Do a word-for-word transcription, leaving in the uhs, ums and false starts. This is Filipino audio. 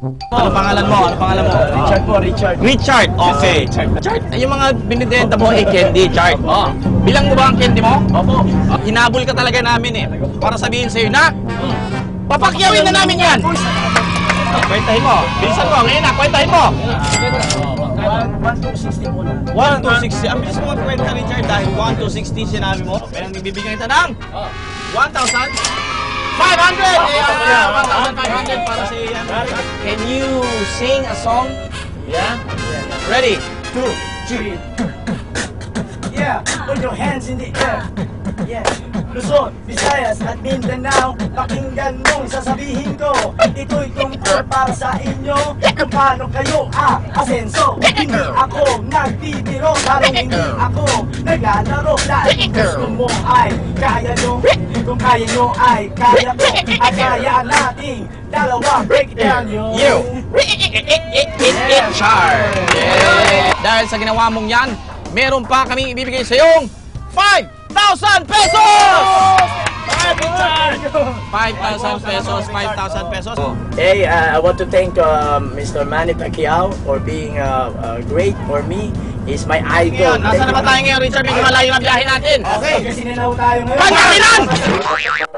Ano pangalan mo? Ano pangalan mo? Richard po, Richard. Richard, okay. Richard, yung mga binibenta mo ay candy, Richard. Oh. Bilang mo ba ang candy mo? Opo. Uh, hinabol ka talaga namin eh. Para sabihin sa'yo na, papakyawin na namin yan. Oh, kwentahin mo. Bilisan mo. Ngayon na, kwentahin mo. one to sixty po na. one to sixty. Ang bilis mo magkwenta, Richard, dahil one to sixty sinabi mo. Kaya ang bibigyan kita ng one thousand five hundred! Yeah, one thousand five hundred para sa iyo. Can you sing a song? Yeah? Ready? Two, three. Yeah, put your hands in the air. Yeah. Luzon, Visayas at Mindanao, pakinggan mong sasabihin ko. Ito'y tungkol para sa inyo, kung paano kayo aasenso. Hindi ako nagbibiro, lalong hindi ako naglalaro. Dahil kung gusto mo ay kaya nyo, kung kaya nyo ay kaya ko. At kaya nating dalawa, break it down yo. You! It char! Dahil sa ginawa mong yan, meron pa kaming ibibigay sa iyong five thousand pesos! five thousand pesos, five thousand pesos. Hey, uh, I want to thank uh, Mister Manny Pacquiao for being uh, uh, great for me. He's my idol. Ngayon, nasa naman tayo ngayon, Richard? Medyo malayo na biyahe natin. Okay, kasi nanaw tayo ngayon. Pagkatilan!